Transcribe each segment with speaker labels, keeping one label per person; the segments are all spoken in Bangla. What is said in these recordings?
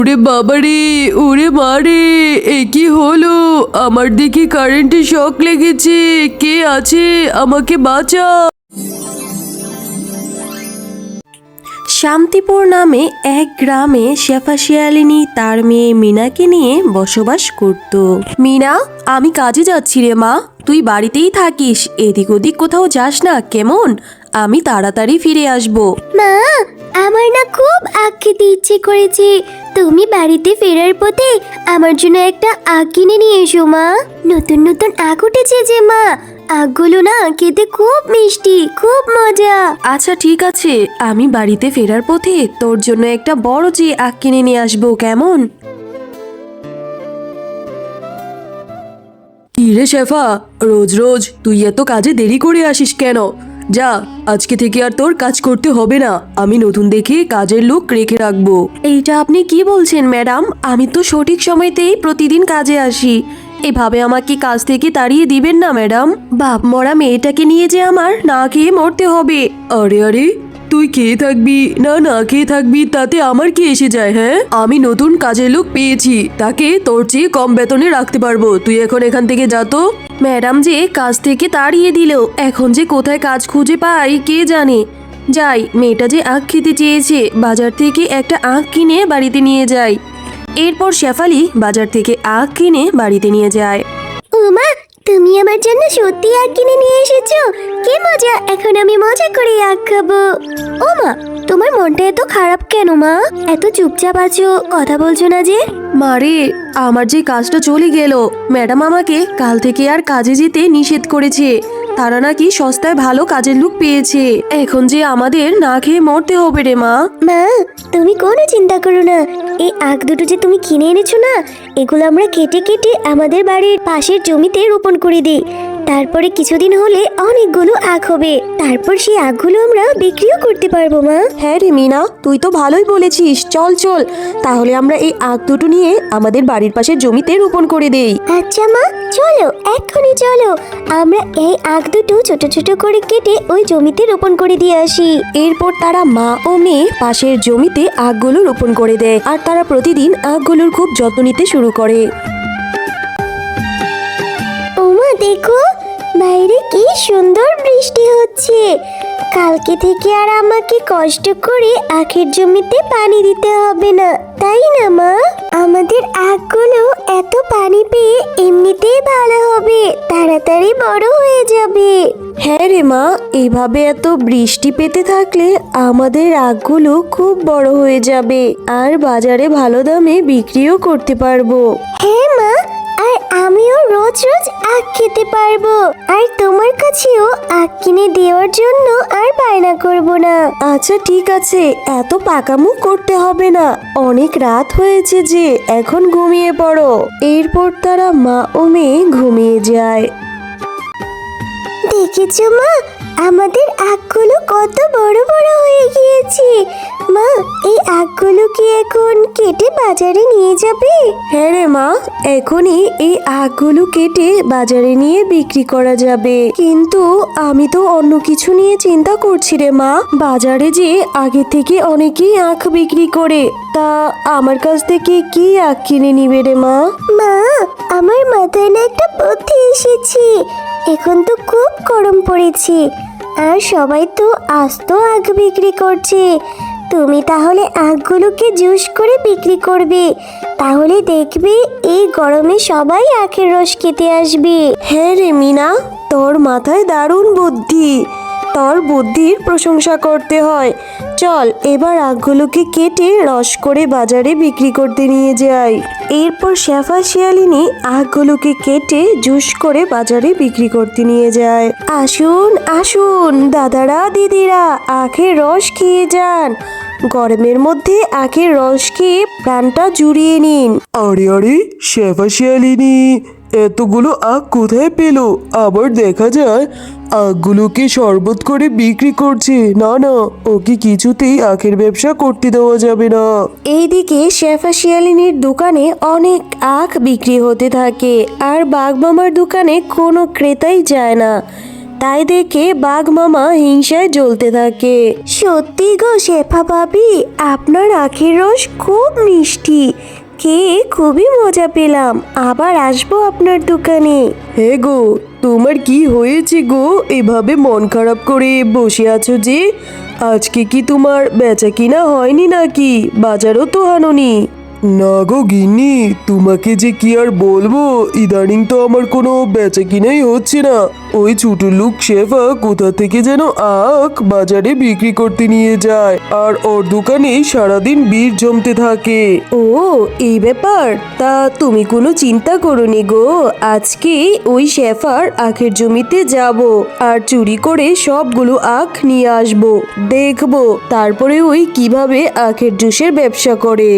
Speaker 1: ওরে বাবারে, ওরে মারে, এ কি হলো? আমার দেখি কারেন্টের শক লেগেছে। কে আছে? আমাকে বাঁচা।
Speaker 2: শান্তিপুর নামে এক গ্রামে শেফা শিয়ালিনী তার মেয়ে মিনাকে নিয়ে বসবাস করত। মিনা, আমি কাজে যাচ্ছি রে মা, তুই বাড়িতেই থাকিস, এদিক ওদিক কোথাও যাস না কেমন? আমি তাড়াতাড়ি ফিরে আসব।
Speaker 3: মা, আমার না খুব আখ খেতে ইচ্ছে করেছে। তুমি বাড়িতে ফেরার পথে আমার জন্য একটা আখ কিনে নিয়ে এসো মা। নতুন নতুন আখ উঠেছে যে মা, আখগুলো না খেতে খুব মিষ্টি, খুব মজা।
Speaker 2: আচ্ছা ঠিক আছে, আমি বাড়িতে ফেরার পথে তোর জন্য একটা বড় যে আখ কিনে নিয়ে আসবো কেমন?
Speaker 1: কি রে শেফা, রোজ রোজ তুই এত কাজে দেরি করে আসিস কেন? যা, আজকে থেকে আর তোর কাজ করতে হবে না। আমি নতুন দেখে কাজের লোক রেখে রাখবো।
Speaker 2: এইটা আপনি কি বলছেন ম্যাডাম? আমি তো সঠিক সময়তেই প্রতিদিন কাজে আসি। এভাবে আমাকে কাজ থেকে তাড়িয়ে দিবেন না ম্যাডাম। বাপ মরা মেয়েটাকে নিয়ে যে আমার না খেয়ে মরতে হবে।
Speaker 1: আরে আরে, তুই খেয়ে থাকবি না না খেয়ে থাকবি তাতে আমার কি এসে যায়? হ্যাঁ, আমি নতুন কাজের লোক পেয়েছি, তাকে তোর চেয়ে কম বেতনে রাখতে পারবো। তুই এখন এখান থেকে যা তো।
Speaker 2: ম্যাডাম যে কাজ থেকে তাড়িয়ে দিল, এখন যে কোথায় কাজ খুঁজে পাই কে জানে। যাই, মেয়েটা যে আখ খেতে চেয়েছে, বাজার থেকে একটা আখ কিনে বাড়িতে নিয়ে যাই। এরপর শেফালি বাজার থেকে আখ কিনে বাড়িতে নিয়ে যায়।
Speaker 3: উমা, তুমি আমার জন্য সত্যি আখ কিনে নিয়ে এসেছো? কি মজা, এখন আমি মজা করে আখ খাবো। ও মা, তোমার মনটা এত খারাপ কেন মা? এত চুপচাপ আছো, কথা বলছো না যে?
Speaker 2: মারে, আমার যে কাজটা চলে গেল, ম্যাডাম আমাকে কাল থেকে আর কাজে যেতে নিষেধ করেছে। তারা নাকি সস্তায় ভালো কাজের লোক পেয়েছে। এখন যে আমাদের না খেয়ে মরতে হবে রে মা।
Speaker 3: মা, তুমি কোনো চিন্তা করো না। এই আখ দুটো যে তুমি কিনে এনেছো না, এগুলো আমরা কেটে কেটে আমাদের বাড়ির পাশের জমিতে রোপণ করে দিই। তারপরে কিছুদিন হলে অনেকগুলো আখ হবে, তারপর সেই আখগুলো আমরা বিক্রিও করতে পারবো মা।
Speaker 2: হ্যাঁ রে মিনা, তুই তো ভালোই বলেছিস। চল চল, তাহলে আমরা এই আখ দুটো নিয়ে আমাদের বাড়ির পাশের জমিতে রোপণ করে দেই।
Speaker 3: আচ্ছা মা, চলো এক্ষুনি চলো, আমরা এই আখ দুটো ছোট ছোট করে কেটে ওই জমিতে রোপণ করে দিয়ে আসি।
Speaker 2: এরপর তারা মা ও মেয়ে পাশের জমিতে আখগুলো রোপণ করে দেয়, আর তারা প্রতিদিন আখগুলোর খুব যত্ন নিতে শুরু করে।
Speaker 3: ওমা দেখো, বাইরে কি সুন্দর বৃষ্টি হচ্ছে। কালকে থেকে আর আমাকে কষ্ট করে আখের জমিতে পানি দিতে হবে না, তাই না মা? আমাদের আখগুলো এত পানি পেয়ে এমনিতেই ভালো হবে, তাড়াতাড়ি বড় হয়ে যাবে।
Speaker 2: হ্যাঁ রে মা, এইভাবে এত বৃষ্টি পেতে থাকলে আমাদের আখগুলো খুব বড় হয়ে যাবে, আর বাজারে ভালো দামে বিক্রিও করতে পারবো।
Speaker 3: হ্যাঁ মা, আর আমিও রোজ রোজ আখ খেতে পারবো, আর তোমার কাছেও আখ কিনে দেওয়ার জন্য আর বায়না করব না।
Speaker 2: আচ্ছা ঠিক আছে, এত পাকামো করতে হবে না, অনেক রাত হয়েছে যে, এখন ঘুমিয়ে পড়ো। এরপর তারা মা ও মেয়ে ঘুমিয়ে যায়।
Speaker 3: দেখেছো মা, আমাদের আখগুলো কত বড় বড় হয়ে গিয়েছে। মা, এই আখগুলো কি এখন কেটে বাজারে নিয়ে যাবে?
Speaker 2: হ্যাঁ রে মা, এখনই এই আখগুলো কেটে বাজারে নিয়ে বিক্রি করা যাবে, কিন্তু আমি তো অন্য কিছু নিয়ে চিন্তা করছি রে মা। বাজারে যে আগে থেকে অনেকেই আখ বিক্রি করে, তা আমার কাছ থেকে কি আখ কিনে নিবে রে মা?
Speaker 3: মা, আমার মাথায় না একটা বুদ্ধি এসেছে। এখন তো খুব গরম পড়েছে, আর সবাই তো আস্ত আখ বিক্রি করছে। তুমি তাহলে আখগুলোকে জুস করে বিক্রি করবে, তাহলে দেখবে এই গরমে সবাই আখের রস খেতে আসবে।
Speaker 2: হ্যাঁ রে মিনা, তোর মাথায় দারুণ বুদ্ধি, তোর বুদ্ধির প্রশংসা করতে হয়। চল এবার আখগুলোকে কেটে রস করে বাজারে বিক্রি করতে নিয়ে যাই। এরপর শেফা শিয়ালিনী আখগুলোকে কেটে জুস করে বাজারে বিক্রি করতে নিয়ে যায়। আসুন আসুন দাদারা দিদিরা, আখের রস খেয়ে যান। গরমের মধ্যে আখের রস খেয়ে প্রাণটা জুড়িয়ে নিন।
Speaker 1: আরে আরে, শেফা শিয়ালিনী এতগুলো আখ কোথায় পেল? আবার দেখা যায় আখগুলোকে শরবত করে বিক্রি করছে। না না, ওকে কিছুতেই আখের ব্যবসা করতে দেওয়া যাবে না।
Speaker 2: এইদিকে শেফা শিয়ালিনীর দোকানে অনেক আখ বিক্রি হতে থাকে, আর বাঘ মামার দোকানে কোনো ক্রেতাই যায় না। তাই দেখে বাঘ মামা হিংসায় জ্বলতে থাকে। সত্যি গো শেফা ভাবি, আপনার আখের রস খুব মিষ্টি, খেয়ে খুবই মজা পেলাম। আবার আসবো আপনার দোকানে।
Speaker 1: হে গো, তোমার কি হয়েছে গো? এভাবে মন খারাপ করে বসে আছো যে? আজকে কি তোমার বেচা কিনা হয়নি নাকি? বাজারও তো আনোনি। না গো গিন্নি, তোমাকে যে কি আর বলবো, ইদানিং তো আমার কোনো বেচা কিনাই হচ্ছে না। ওই ছোট লোক শেফা কোথা থেকে যেন আখ বাজারে বিক্রি করতে নিয়ে যায়, আর ওর দোকানে সারাদিন ভিড় জমতে থাকে।
Speaker 2: ও, এই ব্যাপার। তা তুমি কোনো চিন্তা করোনি গো, আজকে ওই শেফার আখের জমিতে যাব আর চুরি করে সবগুলো আখ নিয়ে আসব, দেখবো তারপরে ওই কিভাবে আখের জুসের ব্যবসা করে।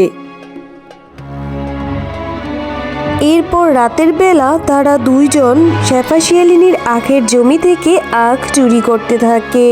Speaker 2: এরপর রাতের বেলা তারা দুইজন শেফা শিয়ালিনীর আখের জমি থেকে আখ চুরি করতে থাকে।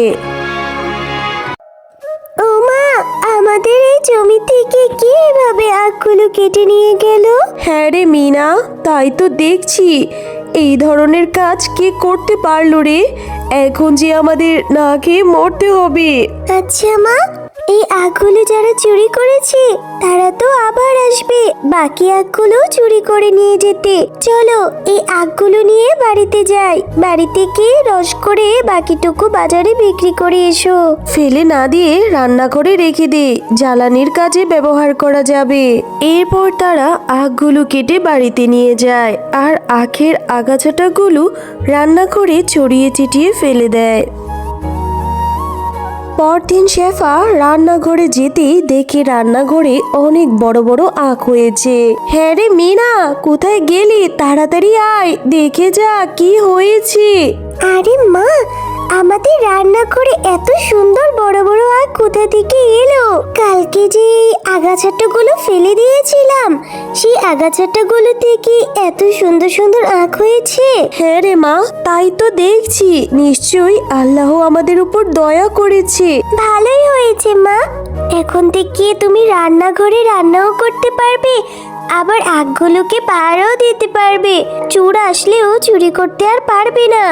Speaker 3: ও মা, আমাদের এই জমি থেকে কি এভাবে আখগুলো কেটে নিয়ে গেল?
Speaker 2: হ্যাঁ রে মিনা, তাই তো দেখছি। এই ধরনের কাজ কে করতে পারলো রে? এখন যে আমাদের না খেয়ে মরতে হবে।
Speaker 3: আচ্ছা মা, এই আখগুলো যারা চুরি করেছে তারা তো আবার আসবে বাকি আখগুলো চুরি করে নিয়ে যেতে। চলো এই আখগুলো নিয়ে বাড়িতে যাই, বাড়িতে গিয়ে রস করে বাকিটুকু বাজারে বিক্রি করে এসো।
Speaker 2: ফেলে না দিয়ে রান্না করে রেখে দে, জ্বালানির কাজে ব্যবহার করা যাবে। এরপর তারা আখগুলো কেটে বাড়িতে নিয়ে যায় আর আখের আগাছাটাগুলো রান্না করে ছড়িয়ে ছিটিয়ে ফেলে দেয়। পরদিন শেফা রান্নাঘরে যেতেই দেখে রান্নাঘরে অনেক বড় বড় আখ হয়েছে। হ্যাঁ রে মিনা, কোথায় গেলি? তাড়াতাড়ি আয়, দেখে যা কি হয়েছে।
Speaker 3: আরে মা, আমাদের রান্নাঘরে এত সুন্দর বড় বড় আখ কোথা থেকে এলো? কালকে যে এই আগাছাটাগুলো ফেলে দিয়েছিলাম, সেই আগাছাটাগুলো থেকে এত সুন্দর সুন্দর আখ হয়েছে।
Speaker 2: হ্যাঁ রে মা, তাই তো দেখছি। নিশ্চয়ই আল্লাহ আমাদের উপর দয়া করেছে।
Speaker 3: ভালোই হয়েছে মা, এখন থেকে তুমি রান্নাঘরে রান্নাও করতে পারবে, আবার আখগুলোকে পাহারাও দিতে পারবে। চোর আসলেও চুরি করতে আর পারবে না।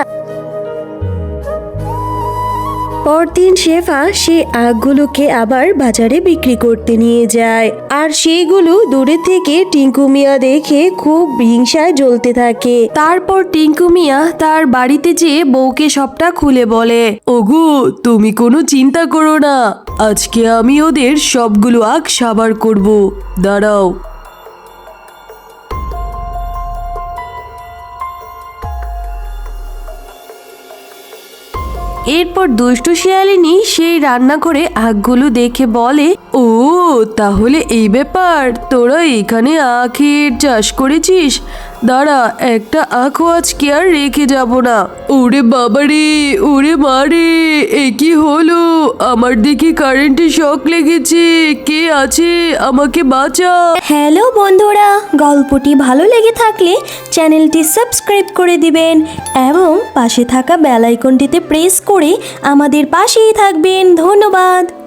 Speaker 2: পরদিন শেফা সে আখগুলোকে আবার বাজারে বিক্রি করতে নিয়ে যায় আর সেইগুলো দূরে থেকে টিঙ্কু মিয়া দেখে খুব হিংসায় জ্বলতে থাকে। তারপর টিঙ্কু মিয়া তার বাড়িতে যেয়ে বউকে সবটা খুলে বলে,
Speaker 1: ওগো, তুমি কোনো চিন্তা করো না, আজকে আমি ওদের সবগুলো আখ সাবার করব, দাঁড়াও।
Speaker 2: এরপর দুষ্টু শিয়ালিনী সেই রান্নাঘরে আখগুলো দেখে বলে,
Speaker 1: ও তাহলে এই ব্যাপার, তোরা এখানে আখের চাষ করেছিস? দাঁড়া, একটা আখও আজকে আর রেখে যাব না। ওরে বাবারে, ওরে মারে, এ কি হলো? আমার দেখি কারেন্টে শক লেগেছে, কে আছে? আমাকে বাঁচা।
Speaker 2: হ্যালো বন্ধুরা, গল্পটি ভালো লেগে থাকলে চ্যানেলটি সাবস্ক্রাইব করে দিবেন এবং পাশে থাকা বেল আইকনটিতে প্রেস করে আমাদের পাশেই থাকবেন। ধন্যবাদ।